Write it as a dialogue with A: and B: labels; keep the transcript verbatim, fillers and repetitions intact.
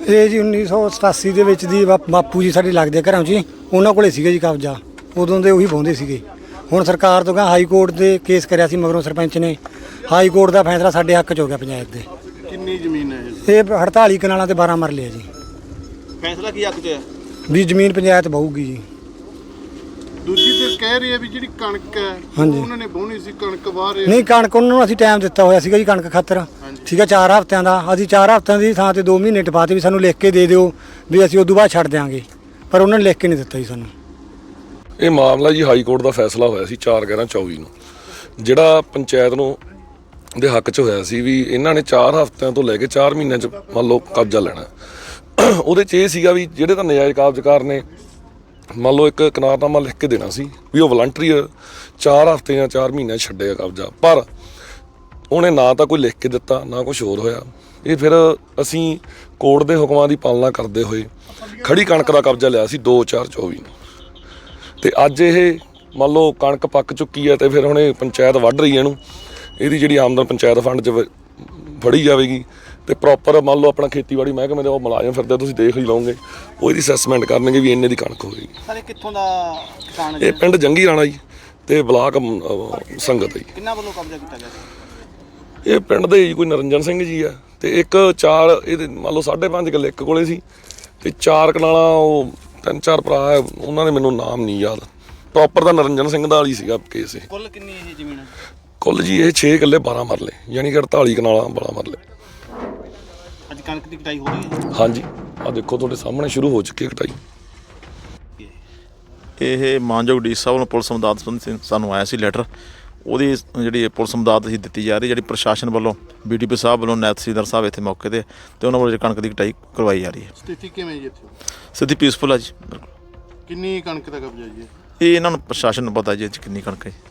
A: ਇਹ ਜੀ ਉੱਨੀ ਸੌ ਸਤਾਸੀ ਦੇ ਵਿੱਚ ਦੀ ਬਾ- ਬਾਪੂ ਜੀ ਸਾਡੇ ਲੱਗਦੇ ਘਰਾਂ 'ਚ ਜੀ, ਉਹਨਾਂ ਕੋਲੇ ਸੀਗਾ ਜੀ ਕਬਜ਼ਾ, ਉਦੋਂ ਦੇ ਉਹੀ ਵਾਹੁੰਦੇ ਸੀਗੇ। ਹੁਣ ਸਰਕਾਰ ਤੋਂ ਹਾਈ ਕੋਰਟ ਦੇ ਕੇਸ ਕਰਿਆ ਸੀ, ਮਗਰੋਂ ਸਰਪੰਚ ਨੇ ਹਾਈ ਕੋਰਟ ਦਾ ਫੈਸਲਾ ਸਾਡੇ ਹੱਕ 'ਚ ਹੋ ਗਿਆ ਪੰਚਾਇਤ ਦੇ।
B: ਕਿੰਨੀ ਜ਼ਮੀਨ ਹੈ
A: ਇਹ ਅੜਤਾਲੀ ਕਨਾਲਾਂ ਤੇ ਬਾਰਾਂ ਮਰਲੇ ਆ ਜੀ।
B: ਫੈਸਲਾ ਕੀ ਹੱਕ 'ਚ ਹੈ?
A: ਵੀ ਜ਼ਮੀਨ ਪੰਚਾਇਤ ਬਹੂਗੀ ਜੀ।
B: ਦੂਜੀ ਤੇ ਕਹਿ ਰਹੀ ਹੈ ਵੀ ਜਿਹੜੀ ਕਣਕ ਹੈ
A: ਹਾਂਜੀ।
B: ਉਹਨਾਂ ਨੇ ਵਾਹੁਣੀ ਸੀ, ਕਣਕ ਵਾਹ ਰਹੇ
A: ਨਹੀਂ, ਕਣਕ ਉਹਨਾਂ ਨੂੰ ਅਸੀਂ ਟਾਈਮ ਦਿੱਤਾ ਹੋਇਆ ਸੀਗਾ ਜੀ ਕਣਕ ਖਾਤਰ, ਠੀਕ ਹੈ, ਚਾਰ ਹਫ਼ਤਿਆਂ ਦਾ। ਅਸੀਂ ਚਾਰ ਹਫ਼ਤਿਆਂ ਦੀ ਥਾਂ ਤੇ ਦੋ ਮਹੀਨੇ ਟਪਾਤੇ ਵੀ ਸਾਨੂੰ ਲਿਖ ਕੇ ਦੇ ਦਿਓ ਵੀ ਅਸੀਂ ਉਦੋਂ ਬਾਅਦ ਛੱਡ ਦਿਆਂਗੇ, ਪਰ ਉਹਨਾਂ ਨੇ ਲਿਖ ਕੇ ਨਹੀਂ ਦਿੱਤਾ ਜੀ ਸਾਨੂੰ।
C: ਇਹ ਮਾਮਲਾ ਜੀ ਹਾਈ ਕੋਰਟ ਦਾ ਫੈਸਲਾ ਹੋਇਆ ਸੀ ਚਾਰ ਗਿਆਰਾਂ ਚੌਵੀ ਨੂੰ, ਜਿਹੜਾ ਪੰਚਾਇਤ ਨੂੰ ਦੇ ਹੱਕ 'ਚ ਹੋਇਆ ਸੀ ਵੀ ਇਹਨਾਂ ਨੇ ਚਾਰ ਹਫ਼ਤਿਆਂ ਤੋਂ ਲੈ ਕੇ ਚਾਰ ਮਹੀਨਿਆਂ 'ਚ ਮੰਨ ਲਓ ਕਬਜ਼ਾ ਲੈਣਾ। ਉਹਦੇ 'ਚ ਇਹ ਸੀਗਾ ਵੀ ਜਿਹੜੇ ਤਾਂ ਨਜਾਇਜ਼ ਕਬਜ਼ਕਾਰ ਨੇ ਮੰਨ ਲਓ ਇੱਕ ਇਕਰਾਰਨਾਮਾ ਲਿਖ ਕੇ ਦੇਣਾ ਸੀ ਵੀ ਉਹ ਵਲੰਟਰੀ ਚਾਰ ਹਫ਼ਤੇ ਜਾਂ ਚਾਰ ਮਹੀਨੇ ਛੱਡੇਗਾ ਕਬਜ਼ਾ, ਪਰ ਉਹਨੇ ਨਾ ਤਾਂ ਕੋਈ ਲਿਖ ਕੇ ਦਿੱਤਾ ਨਾ ਕੁਛ ਹੋਰ ਹੋਇਆ। ਇਹ ਫਿਰ ਅਸੀਂ ਕੋਰਟ ਦੇ ਹੁਕਮਾਂ ਦੀ ਪਾਲਣਾ ਕਰਦੇ ਹੋਏ ਖੜੀ ਕਣਕ ਦਾ ਕਬਜ਼ਾ ਲਿਆ ਸੀ ਦੋ ਚਾਰ ਚੌਵੀ ਨੂੰ, ਤੇ ਅੱਜ ਇਹ ਮੰਨ ਲਓ ਕਣਕ ਪੱਕ ਚੁੱਕੀ ਹੈ ਤੇ ਫਿਰ ਹੁਣ ਇਹ ਪੰਚਾਇਤ ਵੱਢ ਰਹੀ ਹੈ ਇਹਨੂੰ। ਇਹਦੀ ਜਿਹੜੀ ਆਮਦਨ ਪੰਚਾਇਤ ਫੰਡ 'ਚ ਫੜੀ ਜਾਵੇਗੀ ਤੇ ਪ੍ਰੋਪਰ ਮੰਨ ਲਓ ਆਪਣਾ ਖੇਤੀਬਾੜੀ ਮਹਿਕਮੇ ਦੇ ਉਹ ਮੁਲਾਜ਼ਮ ਫਿਰਦੇ, ਤੁਸੀਂ ਦੇਖ ਹੀ ਲਓਗੇ, ਉਹ ਇਹਦੀ ਅਸੈਸਮੈਂਟ ਕਰਨਗੇ ਵੀ ਇੰਨੇ ਦੀ ਕਣਕ ਹੋਏਗੀ।
B: ਸਾਰੇ ਕਿੱਥੋਂ ਦਾ ਕਿਸਾਨ ਹੈ?
C: ਇਹ ਪਿੰਡ ਜੰਗੀ ਰਾਣਾ ਜੀ ਤੇ ਬਲਾਕ ਸੰਗਤ ਜੀ।
B: ਕਿੰਨਾ ਵੱਲੋਂ ਕਬਜ਼ਾ ਕੀਤਾ ਗਿਆ ਸੀ?
C: ਇਹ ਪਿੰਡ ਦੇ ਜੀ ਕੋਈ ਨਰਿੰਜਨ ਸਿੰਘ ਜੀ ਆ, ਤੇ ਇੱਕ ਚਾਰ ਇਹਦੇ ਮੰਨ ਲਓ ਸਾਢੇ ਪੰਜ ਕਿੱਲੇ ਇੱਕ ਕੋਲੇ ਸੀ, ਤੇ ਚਾਰ ਕਨਾਲਾਂ ਉਹ ਤਿੰਨ ਚਾਰ ਭਰਾ ਹੈ, ਉਹਨਾਂ ਨੇ ਮੈਨੂੰ ਨਾਮ ਨਹੀਂ ਯਾਦ ਪ੍ਰੋਪਰ ਦਾ, ਨਰਿੰਜਨ ਸਿੰਘ ਦਾ ਹੀ ਸੀਗਾ ਕੇਸ ਇਹ।
B: ਕੁੱਲ ਕਿੰਨੀ ਇਹ ਜ਼ਮੀਨ ਹੈ?
C: ਕੁੱਲ ਜੀ ਇਹ ਛੇ ਕਿੱਲੇ ਬਾਰਾਂ ਮਰਲੇ, ਯਾਨੀ ਕਿ ਅੜਤਾਲੀ ਕਨਾਲਾਂ ਬਾਰਾਂ ਮਰਲੇ।
B: ਅੱਜ ਕਣਕ ਦੀ ਕਟਾਈ ਹੋ ਰਹੀ ਹੈ?
C: ਹਾਂਜੀ, ਆਹ ਦੇਖੋ ਤੁਹਾਡੇ ਸਾਹਮਣੇ ਸ਼ੁਰੂ ਹੋ ਚੁੱਕੀ ਹੈ ਕਟਾਈ।
D: ਇਹ ਮਾਨਯੋਗ ਡੀ ਸਾਹਿਬ ਨੂੰ ਪੁਲਿਸ ਮਦਦ ਸੰਬੰਧੀ ਸਾਨੂੰ ਆਇਆ ਸੀ ਲੈਟਰ, ਉਹਦੀ ਜਿਹੜੀ ਪੁਲਿਸ ਮਦਦ ਅਸੀਂ ਦਿੱਤੀ ਜਾ ਰਹੀ, ਜਿਹੜੀ ਪ੍ਰਸ਼ਾਸਨ ਵੱਲੋਂ ਬੀ ਡੀ ਪੀ ਸਾਹਿਬ ਵੱਲੋਂ ਨਾਇਬ ਤਹਿਸੀਲਦਾਰ ਸਾਹਿਬ ਇੱਥੇ ਮੌਕੇ 'ਤੇ ਤੇ ਉਹਨਾਂ ਵੱਲੋਂ ਕਣਕ ਦੀ ਕਟਾਈ ਕਰਵਾਈ ਜਾ ਰਹੀ ਹੈ।
B: ਸਥਿਤੀ ਕਿਵੇਂ ਜੀ ਇੱਥੇ?
D: ਸਿੱਧੀ ਪੀਸਫੁਲ ਆ ਜੀ।
B: ਕਿੰਨੀ ਕਣਕ ਦਾ ਕਬਜ਼ਾ ਜੀ?
D: ਇਹ ਇਹਨਾਂ ਨੂੰ ਪ੍ਰਸ਼ਾਸਨ ਨੂੰ ਪਤਾ ਜੀ ਇਹ 'ਚ ਕਿੰਨੀ ਕਣਕ ਹੈ।